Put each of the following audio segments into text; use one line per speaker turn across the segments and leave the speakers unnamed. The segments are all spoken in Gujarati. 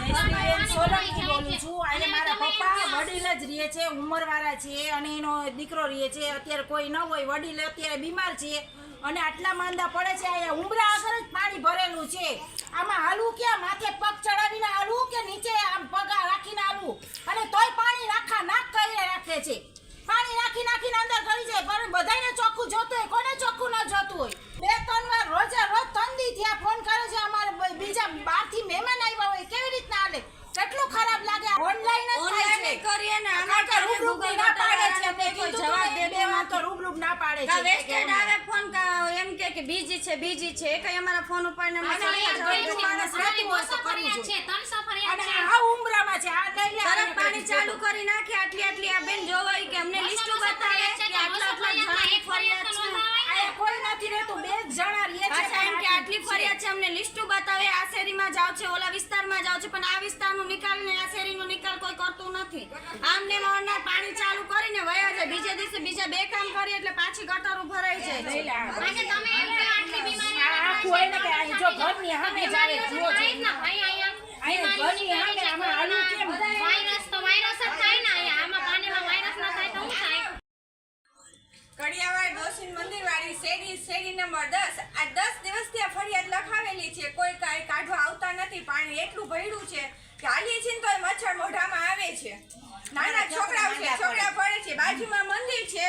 જયશ્રીબેન સોલંકી બોલું છું. આજે મારા પપ્પા વડીલ જ રહે છે, ઉંમરવાળા છે અને એનો દીકરો રહે છે. અત્યારે કોઈ ન હોય, વડીલ અત્યારે બીમાર છે અને આટલા માંદા પડે છે. અહીંયા ઉંબરા આગળ જ પાણી ભરેલું છે. આમાં હાલવું ક્યાં? માથે પગ ચડાવીને હાલવું કે નીચે આમ પગ રાખીને હાલવું? અને તોય પાણી નાક કરીને રાખે છે. પાણી નાખીને અંદર કરી જાય. પણ બધાને ચોખ્ખું જોતું હોય, કોને ચોખ્ખું ન જોતું હોય? 2-3 વાર રોજ 3 દી થયા ફોન કરે છે. અમારે બીજા બહારથી મહેમાન આવ્યા હોય, કેવી રીતના હાલે? કેટલું ખરાબ લાગે. ઓનલાઈન જ થાય છે.
કરીએ ને આમાં
કે રૂબરૂ ના પાડે છે. અમે કોઈ જવાબ દે માં તો રૂબરૂ ના પાડે છે.
વેસ્ટેડ આવે ફોન એમ કે બીજી છે કઈ અમારા ફોન ઉપર ને
માણસ રહેતું હોય તો કરવું જોઈએ. અને આ ઉંબરામાં છે. આ લઈ લે
તરત પાણી ચાલુ કરી નાખે. આટલી આ બેન જોવાય કે અમને લિસ્ટ બતાવે કે આટલા જણાની ફરિયાદ છે.
આ કોઈ નથી રહેતું. 2 જણા રહે છે.
અચ્છા, એમ કે આટલી ફરિયાદ છે, અમને લિસ્ટ બતાવે. આ શેરીમાં જાવ છે, ઓલા વિસ્તારમાં જાવ છે, પણ આ વિસ્તારનો નિકાલ ને આ શેરીનો નિકાલ કોઈ કરતું નથી. આમને મોરના પાણી ચાલુ કરીને વયા જાય. બીજે દિવસે બીજા 2 કામ કરીએ એટલે પાછી ગટરો ભરાઈ જાય.
આજે તમે એમ કે આટલી બીમારી
આ કોઈ ને કે જો ઘરની સામે જ આવે જુઓ છો. અહીંયા ઘરની સામે આમાં હાલું કેમ?
વાયરસ તો વાયરસ જ થાય ને. અહીંયા આમાં પાણીમાં વાયરસ ના થાય તો શું થાય?
કડિયાવાડ ડોસીન મંદિર વાળી શેરી નંબર 10. આ 10 દિવસથી આ ફરિયાદ લખાવેલી છે. કોઈ કાંઈ કાઢવા આવતા નથી. પાણી એટલું ભર્યું છે કે હાલીએ છીએ તો મચ્છર મોઢામાં આવે છે. નાના છોકરાઓ છે, છોકરા પડે છે. બાજુમાં મંદિર છે,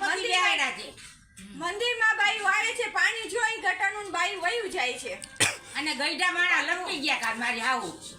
મંદિરમાં બાયું આવે છે. પાણી જોઈ ગટરનું બાયું વયું જાય છે.
અને ગઈઢા માણા લપટી ગયા મારી આવું